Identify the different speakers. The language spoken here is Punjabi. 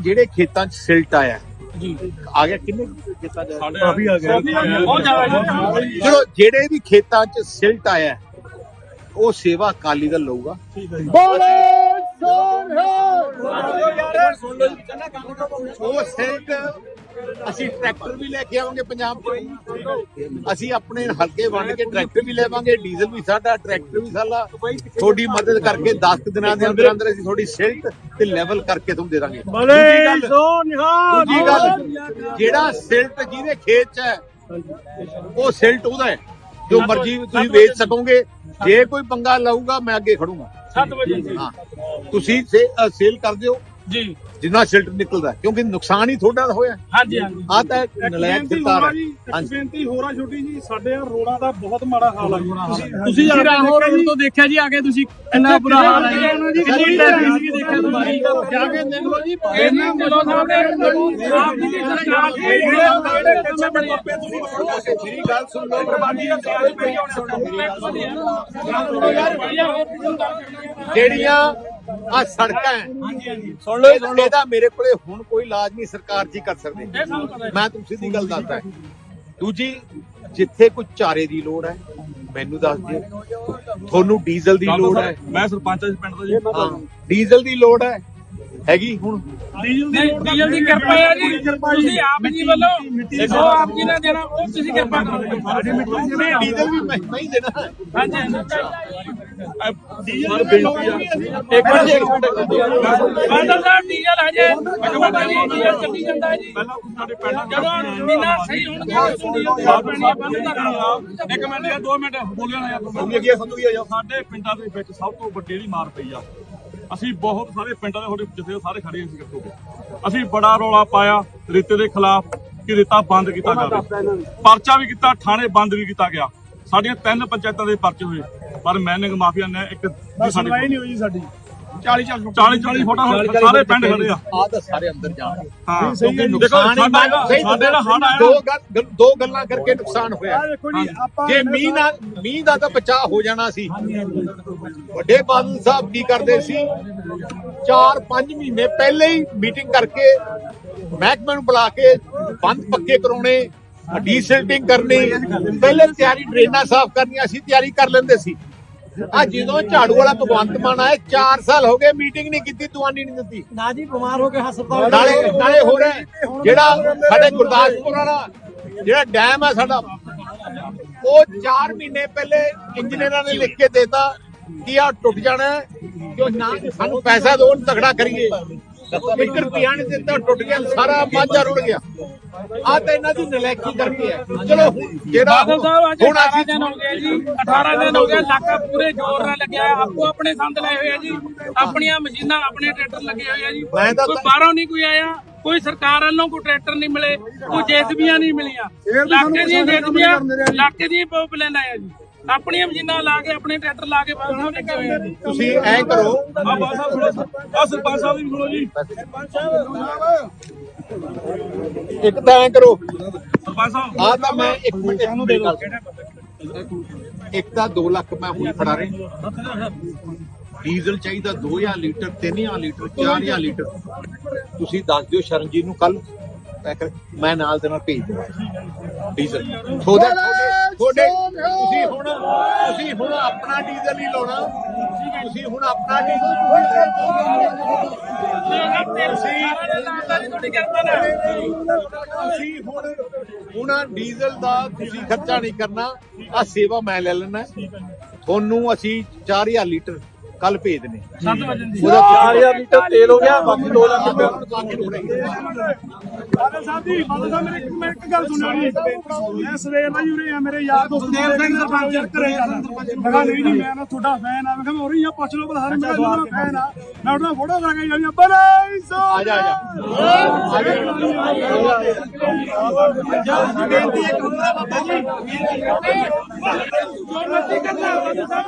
Speaker 1: ਜਿਹੜੇ ਖੇਤਾਂ 'ਚ ਸਿਲਟ ਆਇਆ ਜੀ ਆ ਗਿਆ ਕਿੰਨੇ ਖੇਤਾਂ 'ਚ ਕਾਫੀ ਆ ਗਿਆ ਚਲੋ ਜਿਹੜੇ ਵੀ ਖੇਤਾਂ 'ਚ ਸਿਲਟ ਆਇਆ ਉਹ ਸੇਵਾ ਅਕਾਲੀ ਦਲ ਲਊਗਾ। ਉਹ ਸਿਲਟ ਅਸੀਂ ਟਰੈਕਟਰ ਵੀ ਲੈ ਕੇ ਆਵਾਂਗੇ ਪੰਜਾਬ 'ਚ, ਅਸੀਂ ਆਪਣੇ ਹਲਕੇ ਵੰਡ ਕੇ ਟਰੈਕਟਰ ਵੀ ਲੈਵਾਂਗੇ, ਡੀਜ਼ਲ ਵੀ ਸਾਡਾ, ਟਰੈਕਟਰ ਵੀ ਸਾਡਾ। ਤੁਹਾਡੀ ਮਦਦ ਕਰਕੇ 10 ਦਿਨਾਂ ਦੇ ਅੰਦਰ ਅੰਦਰ ਅਸੀਂ ਥੋੜੀ ਸਿਲਟ ਤੇ ਲੈਵਲ ਕਰਕੇ ਤੁਹਾਨੂੰ ਦੇ ਦਾਂਗੇ। ਦੂਜੀ ਗੱਲ ਜਿਹੜਾ ਸਿਲਟ ਜਿਹਦੇ ਖੇਤ 'ਚ ਹੈ ਉਹ ਸਿਲਟ ਉਹਦਾ ਹੈ, ਜੋ ਮਰਜ਼ੀ ਤੁਸੀਂ ਵੇਚ ਸਕੋਗੇ। ਜੇ ਕੋਈ ਪੰਗਾ ਲਾਊਗਾ ਮੈਂ ਅੱਗੇ ਖੜੂਗਾ 7 ਵਜੇ। ਹਾਂ ਤੁਸੀਂ ਸੇਲ ਕਰ ਦਿਓ ਜੀ ਜਿੰਨਾ ਸਿਲਟ ਨਿਕਲਦਾ, ਕਿਉਂਕਿ ਨੁਕਸਾਨ ਹੀ ਤੁਹਾਡਾ ਹੋਇਆ। ਹਾਂਜੀ ਹਾਂਜੀ ਆ ਤਾਂ ਨਲਾਇਕ ਸਰਕਾਰ ਹੈ। ਹਾਂਜੀ
Speaker 2: ਬੇਨਤੀ ਹੋਰ ਆ ਛੋਟੀ ਜੀ, ਸਾਡੇ ਰੋਡਾਂ ਦਾ ਬਹੁਤ ਮਾੜਾ ਹਾਲ ਹੈ।
Speaker 3: ਤੁਸੀਂ ਰਾਹੋਂ ਰੋਡ ਤੋਂ ਦੇਖਿਆ ਜੀ, ਆ ਕੇ ਤੁਸੀਂ ਇੰਨਾ ਬੁਰਾ ਹਾਲ ਹੈ ਜੀ, ਕਿੰਨੀ ਟ੍ਰੈਫਿਕ ਸੀ ਦੇਖਿਆ ਤੁਸੀਂ
Speaker 1: ਜਾ ਕੇ ਦੇਖ ਲਓ ਜੀ।
Speaker 3: ਇਹਨਾਂ ਕੋਲੋਂ ਸਾਡੇ ਆਪ ਜੀ ਦੀ ਸਰਕਾਰ
Speaker 1: ਮੇਰੀ ਗੱਲ ਸੁਣ ਲਓ, ਜਿਹੜੀਆਂ ਆ ਸੜਕਾਂ ਸੁਣ ਲਓ, ਇਹਦਾ ਮੇਰੇ ਕੋਲੇ ਹੁਣ ਕੋਈ ਇਲਾਜ ਨਹੀਂ ਸਰਕਾਰ ਜੀ ਕਰ ਸਕਦੇ। ਮੈਂ ਤੁਹਾਨੂੰ ਸਿੱਧੀ ਗੱਲ ਦੱਸਦਾ। ਦੂਜੀ ਜਿੱਥੇ ਕੋਈ ਚਾਰੇ ਦੀ ਲੋੜ ਹੈ ਮੈਨੂੰ ਦੱਸ ਦਿਓ, ਤੁਹਾਨੂੰ ਡੀਜ਼ਲ ਦੀ ਲੋੜ ਹੈ,
Speaker 2: ਮੈਂ ਸਰਪੰਚ ਪਿੰਡ ਦਾ ਜੀ,
Speaker 1: ਡੀਜ਼ਲ ਦੀ ਲੋੜ ਹੈਗੀ ਹੁਣ
Speaker 3: ਡੀਜ਼ਲ ਦੀ ਕਿਰਪਾ ਹੈ ਜੀ, ਤੁਸੀਂ ਆਪ ਜੀ ਵੱਲੋਂ ਜੋ ਆਪ ਜੀ ਨੇ ਦੇਣਾ ਉਹ ਤੁਸੀਂ ਕਿਰਪਾ ਕਰੋ।
Speaker 1: ਡੀਜ਼ਲ ਵੀ ਮੈਂ ਹੀ ਦੇਣਾ।
Speaker 3: ਹਾਂਜੀ
Speaker 2: ਡੀਜ਼ਲ ਦੀ ਬੇਨਤੀ ਆ
Speaker 3: ਇੱਕ ਮਿੰਟ ਬਾਦਲ ਸਾਹਿਬ, ਡੀਜ਼ਲ ਹਜੇ ਡੀਜ਼ਲ ਚੱਲੀ ਜਾਂਦਾ ਹੈ ਜੀ।
Speaker 2: ਪਹਿਲਾਂ ਸਾਡੇ ਪਿੰਡ
Speaker 3: ਜਦੋਂ ਮਹੀਨਾ ਸਹੀ ਹੋਣਗੇ ਡੀਜ਼ਲ ਦੀ ਪੈਣੀ ਬੰਦ ਕਰਨਾ।
Speaker 2: ਇੱਕ ਮਿੰਟ ਯਾਰ 2 ਮਿੰਟ ਬੋਲਿਆ ਨਾ ਯਾਰ, ਸਾਡੇ ਪਿੰਡਾਂ ਦੇ ਵਿੱਚ ਸਭ ਤੋਂ ਵੱਡੀ ਜਿਹੜੀ ਮਾਰ ਪਈ ਆ, ਅਸੀਂ ਬਹੁਤ ਸਾਰੇ ਪਿੰਡਾਂ ਦੇ ਜਿੱਥੇ ਸਾਰੇ ਖੜੇ ਸੀ ਇਕੱਠੇ, ਅਸੀਂ ਬੜਾ ਰੌਲਾ ਪਾਇਆ ਰੇਤੇ ਦੇ ਖਿਲਾਫ ਕਿ ਰੇਤਾ ਬੰਦ ਕੀਤਾ ਜਾਵੇ, ਪਰਚਾ ਵੀ ਕੀਤਾ, ਥਾਣੇ ਬੰਦ ਵੀ ਕੀਤਾ ਗਿਆ, ਸਾਡੀਆਂ 3 ਪੰਚਾਇਤਾਂ ਦੇ ਪਰਚੇ ਹੋਏ, ਪਰ ਮੈਨਿੰਗ ਮਾਫੀਆ ਨੇ ਇੱਕ ਸੁਣਵਾਈ ਨਹੀਂ ਹੋਈ ਸਾਡੀ। 40 ਫੋਟਾ ਸਾਰੇ ਪਿੰਡ ਖੜੇ ਆ
Speaker 1: ਤਾਂ ਸਾਰੇ ਅੰਦਰ ਜਾਣਗੇ।
Speaker 2: ਹਾਂ
Speaker 1: ਦੇਖੋ ਸਾਡੇ ਨਾਲ ਹੜ ਆਇਆ, ਦੋ ਗੱਲਾਂ ਕਰਕੇ ਨੁਕਸਾਨ ਹੋਇਆ। ਜੇ ਮੀਂਹ ਦਾ ਤਾਂ ਬਚਾਅ ਹੋ ਜਾਣਾ ਸੀ। ਵੱਡੇ ਬਾਦਲ ਸਾਹਿਬ ਕੀ ਕਰਦੇ ਸੀ, 4-5 ਮਹੀਨੇ ਪਹਿਲੇ ਹੀ ਮੀਟਿੰਗ ਕਰਕੇ ਮਹਿਕਮੇ ਨੂੰ ਬੁਲਾ ਕੇ ਬੰਦ ਪੱਕੇ ਕਰਾਉਣੇ, ਡੀਸਿਲਟਿੰਗ ਕਰਨੀ, ਪਹਿਲੇ ਤਿਆਰੀ ਡਰੇਨਾਂ ਸਾਫ਼ ਕਰਨੀਆਂ ਸੀ, ਤਿਆਰੀ ਕਰ ਲੈਂਦੇ ਸੀ। ਆ ਜਦੋਂ ਝਾੜੂ ਵਾਲਾ ਭਗਵੰਤ ਮਾਨ ਆਏ 4 ਸਾਲ ਹੋ ਗਏ, ਮੀਟਿੰਗ ਨਹੀਂ ਕੀਤੀ, ਦੁਆਨੀ ਨਹੀਂ ਦਿੱਤੀ
Speaker 3: ਨਾ ਜੀ, ਬਿਮਾਰ ਹੋ ਕੇ ਹਸਪਤਾਲ
Speaker 1: ਨਾਲੇ ਹੋ ਰਿਹਾ। ਜਿਹੜਾ ਸਾਡੇ ਗੁਰਦਾਸਪੁਰ ਵਾਲਾ ਜਿਹੜਾ ਡੈਮ ਹੈ ਸਾਡਾ, ਉਹ 4 ਮਹੀਨੇ ਪਹਿਲੇ ਇੰਜੀਨੀਅਰਾਂ ਨੇ ਲਿਖ ਕੇ ਦੇਤਾ ਕਿ ਆ ਟੁੱਟ ਜਾਣਾ, ਜੋ ਨਾ ਸਾਨੂੰ ਪੈਸਾ ਦੋ ਤਗੜਾ ਕਰੀਏ। 1 ਰੁਪਿਆ ਨਹੀਂ ਦਿੱਤਾ, ਟੁੱਟ ਗਿਆ, ਸਾਰਾ ਮਾਝਾ ਰੁੜ ਗਿਆ। ਆ ਤਾਂ ਇਹਨਾਂ ਦੀ ਨਲਾਇਕੀ ਕਰਕੇ ਹੈ। ਚਲੋ ਜਿਹੜਾ
Speaker 3: ਬਾਦਲ ਸਾਹਿਬ ਅੱਜ 18 ਦਿਨ ਹੋ ਗਏ ਜੀ, 18 ਦਿਨ ਹੋ ਗਏ, ਇਲਾਕਾ ਪੂਰੇ ਜ਼ੋਰ ਨਾਲ ਲੱਗਿਆ ਹੈ। ਆਪੋ ਆਪਣੇ ਸੰਦ ਲਏ ਹੋਏ ਆ ਜੀ, ਆਪਣੀਆਂ ਮਸ਼ੀਨਾਂ, ਆਪਣੇ ਟਰੈਕਟਰ ਲੱਗੇ ਹੋਏ ਆ ਜੀ। ਕੋਈ ਬਾਹਰੋਂ ਨਹੀਂ ਕੋਈ ਆਇਆ, ਕੋਈ ਸਰਕਾਰ ਵੱਲੋਂ ਕੋਈ ਟਰੈਕਟਰ ਨਹੀਂ ਮਿਲੇ, ਕੋਈ ਜੇਸੀਬੀਆਂ ਨਹੀਂ ਮਿਲੀਆਂ। ਇਲਾਕੇ ਦੀਆਂ ਜੇਸੀਬੀਆਂ, ਇਲਾਕੇ ਦੀਆਂ ਪਾਈਪਲਾਈਨਾਂ ਆ ਜੀ, ਆਪਣੀਆਂ ਮਸ਼ੀਨਾਂ ਲਾ ਕੇ, ਆਪਣੇ ਟਰੈਕਟਰ ਲਾ ਕੇ ਬਾਦਲ ਸਾਹਿਬ ਲੱਗੇ ਹੋਏ ਆ ਜੀ।
Speaker 1: ਤੁਸੀਂ ਐ ਕਰੋ,
Speaker 2: ਸਰਪੰਚ ਸਾਹਿਬ ਵੀ ਸੁਣੋ ਜੀ,
Speaker 1: ਇੱਕ ਤਾਂ ਐ ਕਰੋ,
Speaker 2: ਸਰਪੰਚ ਸਾਹਿਬ
Speaker 1: ਆ ਤਾਂ ਮੈਂ 1 ਮਿੰਟ ਇਹਨੂੰ ਦੇ ਦੋ। ਇੱਕ ਤਾਂ 2 ਲੱਖ ਮੈਂ ਹੁਣ ਫੜਾ ਰਿਹਾ, ਡੀਜ਼ਲ ਚਾਹੀਦਾ 2000 ਲੀਟਰ, 3000 ਲੀਟਰ, 4000 ਲੀਟਰ। ਤੁਸੀਂ ਦੱਸ ਦਿਓ ਸ਼ਰਨਜੀਤ ਨੂੰ, ਕੱਲ ਮੈਂ ਨਾਲ ਦੇ ਨਾਲ ਭੇਜ ਦਵਾਂ ਡੀਜ਼ਲ। ਤੁਹਾਡੇ ਤੁਸੀਂ ਹੁਣ ਆਪਣਾ ਡੀਜ਼ਲ ਹੀ ਲਾਉਣਾ, ਤੁਸੀਂ ਹੁਣ ਆਪਣਾ ਡੀਜ਼ਲ ਹੁਣ ਡੀਜ਼ਲ ਦਾ ਤੁਸੀਂ ਖਰਚਾ ਨਹੀਂ ਕਰਨਾ, ਆ ਸੇਵਾ ਮੈਂ ਲੈ ਲੈਣਾ। ਤੁਹਾਨੂੰ ਅਸੀਂ 4000 ਲੀਟਰ ਕੱਲ ਭੇਜ ਦਨੇ।
Speaker 3: 4000 ਲੀਟਰ ਤੇਲ ਹੋ ਗਿਆ, ਬਾਕੀ 2 ਲੱਖ
Speaker 2: ਬਾਦਲ ਸਾਹਿਬ ਦੀ ਮੈਂ ਇੱਕ ਗੱਲ ਸੁਣਿਆ ਜੀ, ਮੈਂ ਸਵੇਰ ਦਾ ਹੀ ਉਰੇ ਆ, ਮੇਰੇ ਯਾਰ ਦੋਸਤ ਦੇਵ ਸਿੰਘ ਸਰਪੰਚ ਘਰੇ ਜਾਣਾ। ਮੈਂ ਕਿਹਾ ਨਹੀਂ ਜੀ, ਮੈਂ ਨਾ ਤੁਹਾਡਾ ਫੈਨ ਆ। ਮੈਂ ਕਿਹਾ ਉਰੇ ਆ, ਪੁੱਛ ਲਓ ਬਲਹਾਰ, ਮੈਂ ਤੁਹਾਡਾ ਫੈਨ ਆ। ਮੈਂ ਉਹਦਾ ਫੋਟੋ ਕਰਾ ਕੇ ਜਾਣੀ, ਬਲੇ ਸੋ
Speaker 1: ਆ ਜਾ
Speaker 2: ਬੇਨਤੀ ਇੱਕ ਹੁੰਦਾ ਬਾਬਾ ਜੀ।